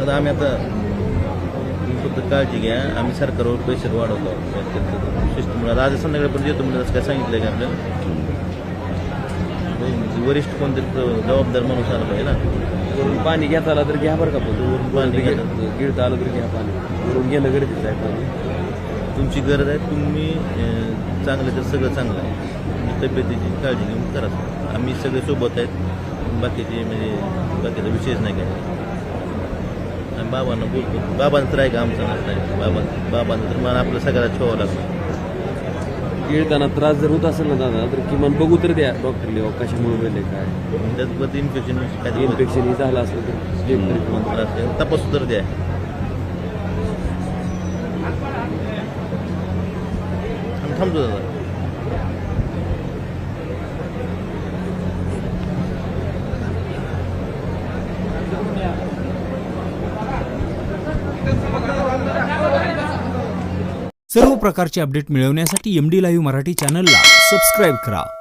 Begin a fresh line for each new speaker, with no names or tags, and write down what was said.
आता आम्ही आता फक्त काळजी घ्या, आम्ही सरकारवर प्रेशर वाढवतो सिस्टमला. आज संध्याकाळपर्यंत येतो म्हणजे असं काय सांगितलं का आपल्याला? वरिष्ठ कोणतरी जबाबदार माणूस आला पाहिजे ना.
वरून पाणी घेता आला तर घ्या बरं का, पण
पाणी
गिळता आलं तर घ्या पाणी. वरून घेणं गरजेचं आहे पाणी.
तुमची गरज आहे, तुम्ही चांगलं तर सगळं चांगलं आहे. तुम्ही तब्येतीची काळजी घेऊन करा. आम्ही सगळे सोबत आहेत, बाकीचे म्हणजे बाकीचा विषयच नाही काय. आम्ही बाबांना बोलतो, बाबांचं तर आहे का आमचं नसतं. बाबांचं तर मला आपलं सगळ्याला ठेवावं लागतं.
गिळताना त्रास जर होत असेल ना दादा, तर किमान बघू तर द्या डॉक्टरला कशामुळे गेले काय.
त्यात इन्फेक्शन
इन्फेक्शन हे झालं असलं तर चेक तरी
तपासू तर द्या. आम्ही थांबतो दादा.
सर्व प्रकारचे अपडेट मिळवण्यासाठी MD लाईव्ह मराठी चॅनलला सबस्क्राईब करा.